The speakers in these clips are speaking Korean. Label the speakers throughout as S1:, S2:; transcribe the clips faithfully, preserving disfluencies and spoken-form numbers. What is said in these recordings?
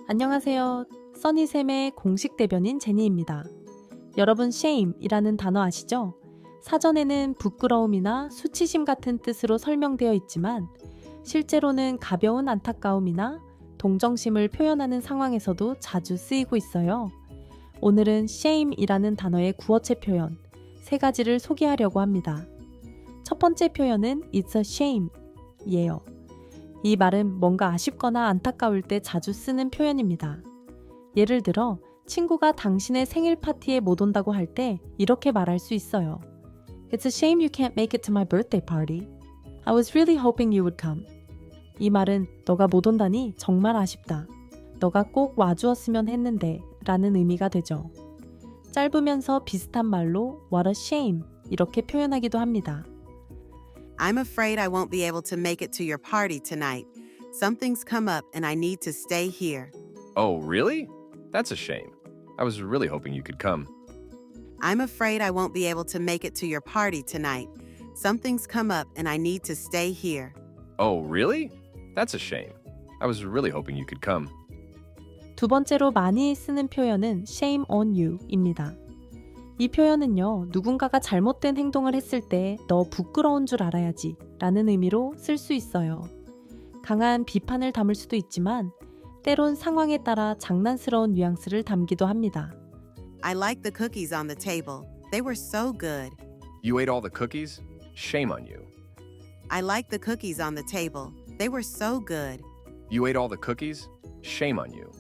S1: 안녕하세요. 써니샘의 공식 대변인 제니입니다. 여러분 shame이라는 단어 아시죠? 사전에는 부끄러움이나 수치심 같은 뜻으로 설명되어 있지만 실제로는 가벼운 안타까움이나 동정심을 표현하는 상황에서도 자주 쓰이고 있어요. 오늘은 shame이라는 단어의 구어체 표현 세 가지를 소개하려고 합니다. 첫 번째 표현은 it's a shame 이에요. 이 말은 뭔가 아쉽거나 안타까울 때 자주 쓰는 표현입니다. 예를 들어 친구가 당신의 생일 파티에 못 온다고 할 때 이렇게 말할 수 있어요. It's a shame you can't make it to my birthday party. I was really hoping you would come. 이 말은 너가 못 온다니 정말 아쉽다. 너가 꼭 와주었으면 했는데 라는 의미가 되죠. 짧으면서 비슷한 말로 what a shame 이렇게 표현하기도 합니다.
S2: I'm afraid I won't be able to make it to your party tonight. Something's come up and I need to stay here.
S3: Oh, really? That's a shame. I was really hoping you could come.
S2: I'm afraid I won't be able to make it to your party tonight. Something's come up and I need to stay here.
S3: Oh, really? That's a shame. I was really hoping you could come.
S1: 두 번째로 많이 쓰는 표현은 shame on you입니다. 이 표현은요, 누군가가 잘못된 행동을 했을 때 너 부끄러운 줄 알아야지 라는 의미로 쓸 수 있어요. 강한 비판을 담을 수도 있지만 때론 상황에 따라 장난스러운 뉘앙스를 담기도 합니다.
S2: I like the cookies on the table. They were so good.
S3: You ate all the cookies? Shame on you.
S2: I like the cookies on the table. They were so good.
S3: You ate all the cookies? Shame on you.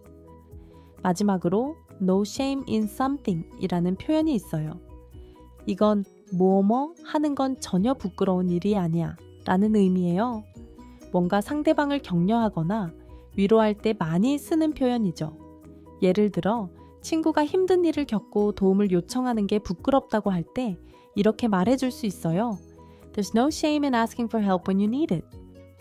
S1: 마지막으로 no shame in something 이라는 표현이 있어요. 이건 뭐뭐 하는 건 전혀 부끄러운 일이 아니야 라는 의미예요. 뭔가 상대방을 격려하거나 위로할 때 많이 쓰는 표현이죠. 예를 들어 친구가 힘든 일을 겪고 도움을 요청하는 게 부끄럽다고 할 때 이렇게 말해줄 수 있어요. There's no shame in asking for help when you need it.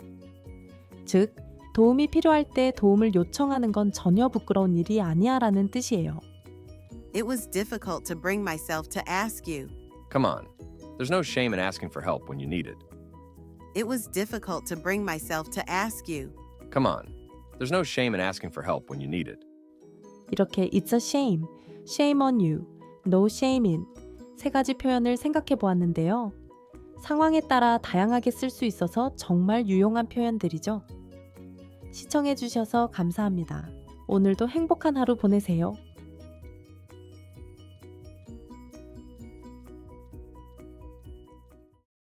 S1: 즉, 도움이 필요할 때 도움을 요청하는 건 전혀 부끄러운 일이 아니야 라는 뜻이에요.
S2: It was difficult to bring myself to ask you.
S3: Come on. There's no shame in asking for help when you need it.
S2: It was difficult to bring myself to ask you.
S3: Come on. There's no shame in asking for help when you need it.
S1: 이렇게 it's a shame, shame on you, no shame in 세 가지 표현을 생각해 보았는데요. 상황에 따라 다양하게 쓸 수 있어서 정말 유용한 표현들이죠. 시청해 주셔서 감사합니다. 오늘도 행복한 하루 보내세요.